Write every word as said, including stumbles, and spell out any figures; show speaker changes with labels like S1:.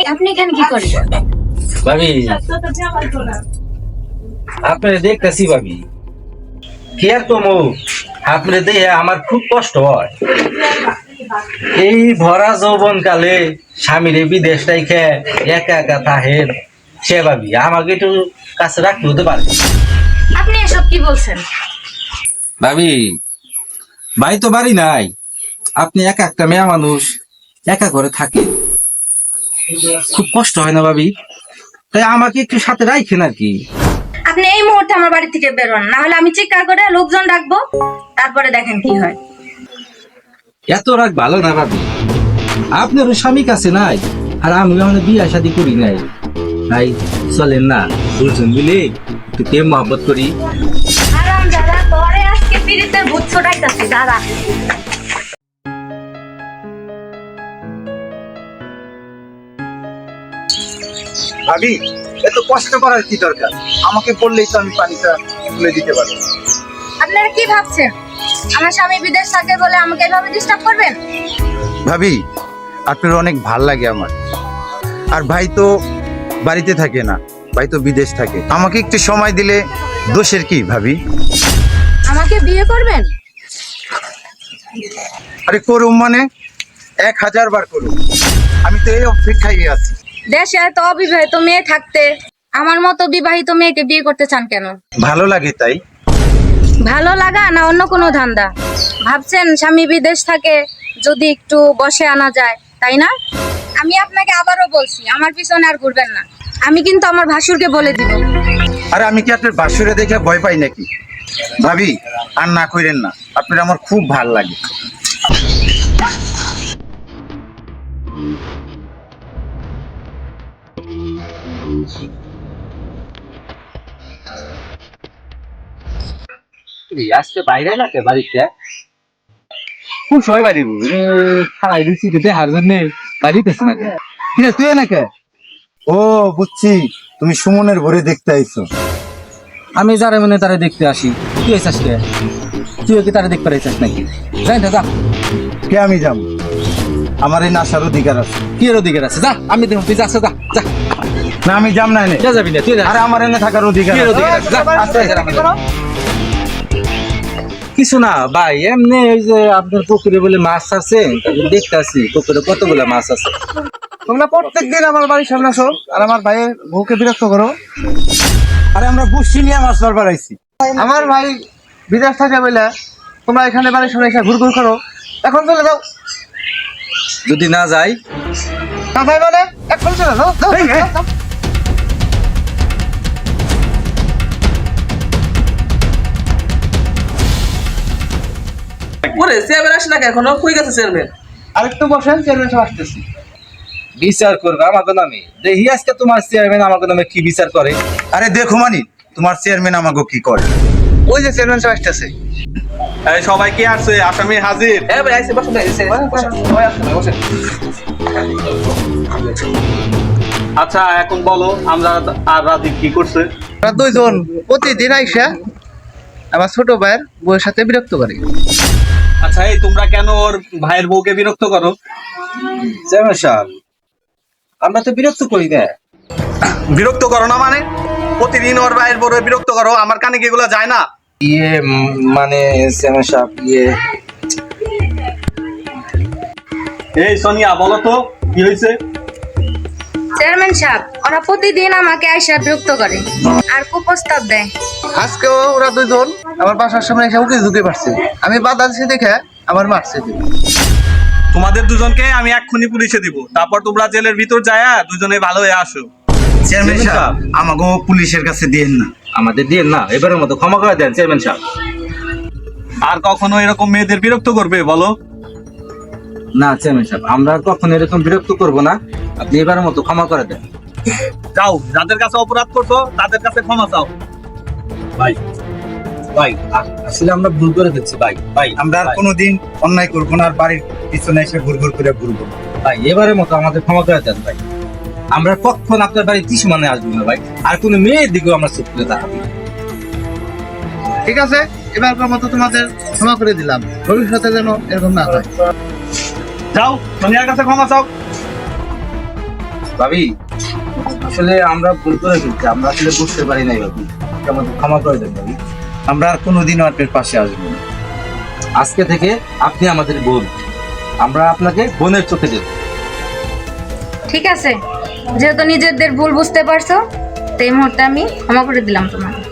S1: আপনি এখানে কি করেন?
S2: ভাবি আপনি দেখতেছি ভাবি কি আর কমু আপনি দেখে আমার খুব কষ্ট হয়। এই ভরা যৌবন কালে স্বামীর বিদেশটাই খেয়ে একা একা থাহেন সে ভাবি আমাকে একটু কাছে রাখতে হতে পারে।
S1: আপনি এসব কি বলছেন?
S2: ভাবি ভাই তো বাড়ি নাই, আপনি একা একটা মেয়ে মানুষ একা করে থাকে, খুব কষ্ট হয় না ভাবি? তাই আমাকে একটু সাথে রাখেন আর কি।
S1: আপনি এই মুহূর্তে আমার বাড়ি থেকে বেরোন, না হলে আমি চিৎকার করে লোকজন ডাকবো, তারপরে দেখেন কি হয়।
S2: এত রাগ ভালো না ভাবি, আপনারও স্বামী কাছে নাই আর আমি মানে বিয়ে শাদী করি নাই, তাই চলেন না দুজন মিলে একটু প্রেম মহব্বত করি।
S1: আরাম দাদা তোরে আজকে পিরিতের ভূত ছড়াইতাছি দাদা।
S3: ভাবি এত কষ্ট করার কি দরকার? আমাকে বললেই তো আমি পানিটা তুলে দিতে পারি।
S1: আপনারা কি ভাবছেন আমার স্বামী বিদেশ থাকে বলে আমাকে এভাবে ডিস্টার্ব করবেন?
S3: ভাবি আপনার অনেক ভাল লাগে আমার, আর ভাই তো বাড়িতে থাকে না, ভাই তো বিদেশ থাকে। আমাকে একটু সময় দিলে দোষের কি ভাবি?
S1: আমাকে বিয়ে করবেন?
S3: আরে করুম মানে এক হাজার বার করুম, আমি তো এই অপেক্ষায় আছি।
S1: দেশে এত অবিবাহিত মেয়ে থাকতে আমার মতো বিবাহিত মেয়েকে বিয়ে করতে চান কেন?
S3: ভালো লাগে তাই।
S1: ভালো লাগা না অন্য কোনো ধান্দা? ভাবছেন স্বামী বিদেশ থাকে যদি একটু বসে আনা যায়, তাই না? আমি আপনাকে আবারও বলছি আমার পিছনে আর ঘুরবেন না, আমি কিন্তু আমার ভাসুরকে বলে দিব।
S3: আরে আমি কি আপনার বাসুরে দেখে ভয় পাই নাকি? ভাবি আর না কইরেন না, আপনার আমার খুব ভাল লাগে।
S2: আজকে বাইরে লাগে বাড়িতে খুব সবাই বাড়ি খাই দিচ্ছি দেখার জন্য বাড়িতেছে না ঠিক আছে তুই নাকি?
S3: ও বুঝছি, তুমি সুমনের ভরে দেখতে আইছো।
S2: আমি যারা মানে তারা দেখতে আসি, তুই এসে কে? তুই কি তারা দেখতে পারিস নাকি? যাই না যা।
S3: কে আমি যাম? আমার এই নাসার অধিকার আছে।
S2: কি এর অধিকার আছে? যা, আমি দেখুন তুই যাচ্ছ, যা যা।
S3: না আমি যাম না এনে।
S2: যা যাবি না তুই?
S3: আরে আমার এনে থাকার অধিকার
S2: কি এর
S3: আছে।
S2: অধিকার আছে? যা, আস্তে আস্তে আমাদের।
S3: করো।
S2: কিছু না ভাই, এমনি ওই যে আপনার পুকুরে বলে মাছ আছে, দেখতে আসি পুকুরে কতগুলো মাছ আছে।
S3: তোমরা প্রত্যেকদিন আমার বাড়ির সামনে আসো আর আমার ভাইয়ের বউকে বিরক্ত করো। আরে আমরা বুঝছি নিয়ে মাছ ধরবার আইছি। আমার ভাই বিদেশ থাকে বলে তোমরা এখানে বাড়ির সামনে এসে ঘুরঘুর করো। এখন চলে যাও।
S2: যদি না যাই
S3: না ভাই মানে এখন চলে যাও। যাও,
S2: এই, এই।
S3: যাও, যাও।
S4: ওরে চেয়ারম্যান আসে না এখনো, কই গেছে চেয়ারম্যান?
S3: আরেকটু বসেন, চেয়ারম্যান সাহেব আসতেছি।
S2: বিচার করবে আমাকে নামে, দেখি আজকে তোমার চেয়ারম্যান আমাকে নামে কি বিচার করে।
S3: আরে দেখো মানি তোমার চেয়ারম্যান আমাকে কি করে। ওই যে চেয়ারম্যান সাহেব আসতেছে।
S5: এই সবাই কি আসছে? আসামি হাজির।
S4: হ্যাঁ ভাই আইছে, বসুন ভাই, আইছে, বসুন, সবাই আসুন ভাই, বসেন।
S5: আচ্ছা এখন বলো আমরা আর রাজীব কি করছে?
S3: আমরা দুইজন প্রতিদিন আইসা আমার ছোট ভাইয়ের বউয়ের সাথে বিরক্ত করে।
S5: আচ্ছা এই তোমরা কেন ওর ভাইয়ের বউকে বিরক্ত করো?
S2: চেয়ারম্যান সাহেব আমরা তো বিরক্ত করি না।
S5: বিরক্ত করো না মানে? প্রতিদিন ওর ভাইয়ের বউকে বিরক্ত করো, আমার কানে কি এগুলো যায় না?
S2: ইয়ে উম, মানে চেয়ারম্যান সাহেব ইয়ে
S5: এই সোনিয়া বলো তো কি হয়েছে?
S1: চেয়ারম্যান সাহেব ওরা প্রতিদিন আমাকে আইসা বিরক্ত করে আর কুপ্রস্তাব দেয়।
S3: আজকেও ওরা দুইজন আমার বাসার সামনে এসে উকি ঝুঁকে পারছে, আমি বাধা দিছি দেখে আমার মারছে।
S5: তোমাদের দুজনকে আমি এক্ষুনি পুলিশে দিব, তারপর তোমরা জেলের ভিতর যায়া দুজনে ভালো হয়ে আসো।
S3: চেয়ারম্যান সাহেব আমাকে পুলিশের কাছে দিয়েন না।
S2: আমাদের দিয়ে না, এবারের মতো ক্ষমা করে দেন চেয়ারম্যান সাহেব।
S5: আর কখনো এরকম মেয়েদের বিরক্ত করবে বলো?
S2: না চেয়ারম্যান সাহেব আমরা আর কখনো এরকম বিরক্ত করব না, আপনি এবারের মতো ক্ষমা করে দেন।
S5: যাও, যাদের কাছে অপরাধ করছো তাদের কাছে ক্ষমা চাও।
S2: ভাই ভাই আ- আসলে আমরা ভুল করে ফেলছি ভাই। ভাই
S3: আমরা আর
S2: ভাই,
S3: কোনোদিন অন্যায় করবো না, আর বাড়ির পিছনে এসে ঘুর ঘুর করে ঘুরবো না।
S2: ভাই এবারের মতো আমাদের ক্ষমা করে দেন ভাই। আমরা কখন আপনার বাড়ি ত্রিসীমানে আসবো না ভাই, আর কোনো মেয়ের দিকেও আমরা চুপ করে তাকাবো না।
S3: ঠিক আছে, এবারকার মতো তোমাদের ক্ষমা করে দিলাম, ভবিষ্যতে যেন এরকম না হয়।
S5: যাও, সোনিয়ার কাছে ক্ষমা চাও।
S2: ভাবি আসলে আমরা ভুল করে ফেলছি, আমরা আসলে বুঝতে পারি নাই ভাবি, আমাদের ক্ষমা করে দেন ভাবি।
S3: আমরা আর কোনোদিনও আপনার পাশে আসবো না।
S2: আজকে থেকে আপনি আমাদের বোন, আমরা আপনাকে বোনের চোখে দেব।
S1: ঠিক আছে, যেহেতু নিজেদের ভুল বুঝতে পারছো, তো এই মুহূর্তে আমি ক্ষমা করে দিলাম তোমাকে।